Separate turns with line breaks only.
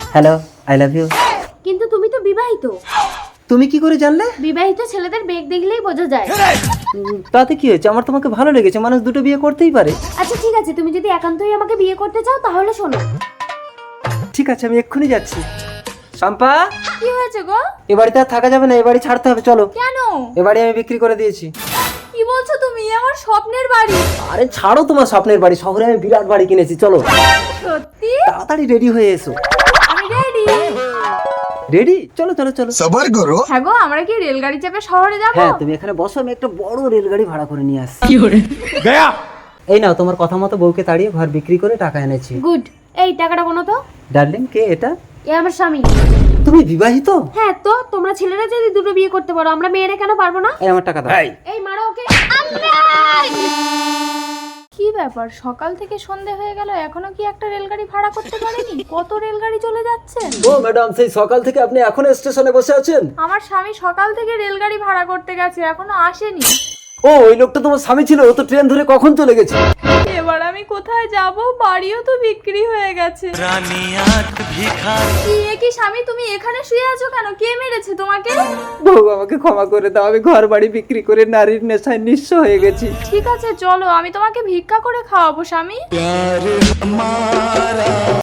Hello, I love you.
কিন্তু তুমি তো বিবাহিত।
তুমি কি করে জানলে?
বিবাহিত ছেলেদের বেগ দেখলেই বোঝা যায়।
তাতে কি হয়েছে? আমার তোমাকে ভালো লেগেছে, মানুষ দুটো বিয়ে করতেই পারে।
আচ্ছা ঠিক আছে, তুমি যদি একান্তই আমাকে বিয়ে করতে চাও তাহলে শোনো।
ঠিক আছে, আমি এক্ষুনি যাচ্ছি। শম্পা,
কি হয়েছে গো?
এ বাড়িতে আর থাকা যাবে না, এ বাড়ি ছাড়তে হবে, চলো।
কেন?
এ বাড়ি আমি বিক্রি করে দিয়েছি।
কি বলছো তুমি? আমার স্বপ্নের বাড়ি।
আরে ছাড়ো তোমার স্বপ্নের বাড়ি, শহরে আমি বিরাট বাড়ি কিনেছি, চলো।
সত্যি?
তাড়াতাড়ি রেডি হয়ে এসো।
আমি রেডি।
রেডি? চলো চলো চলো।
सबर करो।
হ্যাঁ গো, আমরা কি রেলগাড়ি চেপে শহরে যাব?
হ্যাঁ, তুমি এখানে বসো, আমি একটা বড় রেলগাড়ি ভাড়া করে নিয়ে আসছি। এই নাও, তোমার কথা মতো বউকে তাড়িয়ে ঘর বিক্রি করে টাকা এনেছি।
গুড। এই টাকাটা কোনো তো?
ডার্লিং, কে এটা?
এ আমার স্বামী।
তুমি বিবাহিত?
হ্যাঁ তো, তোমরা ছেলেরা যদি দুটো বিয়ে করতে পারো, আমরা মেয়েরা কেন পারবো না?
এই আমার টাকা দাও।
এই মারো ওকে। কি ব্যাপার, সকাল থেকে সন্ধে হয়ে গেল এখনো কি একটা রেলগাড়ি ভাড়া করতে পারেনি? কত রেলগাড়ি চলে যাচ্ছে।
ও ম্যাডাম, সেই সকাল থেকে আপনি এখনো স্টেশনে বসে আছেন?
আমার স্বামী সকাল থেকে রেলগাড়ি ভাড়া করতে গেছে, এখনো আসেনি।
ও, ওই লোকটা তোমার স্বামী ছিল? ও তো ট্রেন ধরে কখন চলে গেছে।
এবার আমি কোথায় যাব? বাড়িও তো বিক্রি হয়ে গেছে। কি এ কি স্বামী, তুমি এখানে শুয়ে আছো কেন? কে মেরেছে তোমাকে?
বউ, আমাকে ক্ষমা করে দাও, আমি ঘর বাড়ি বিক্রি করে নারীর নেশায় নিঃস্ব হয়ে গেছি।
ঠিক আছে চলো, আমি তোমাকে ভিক্ষা করে খাওয়াবো স্বামী।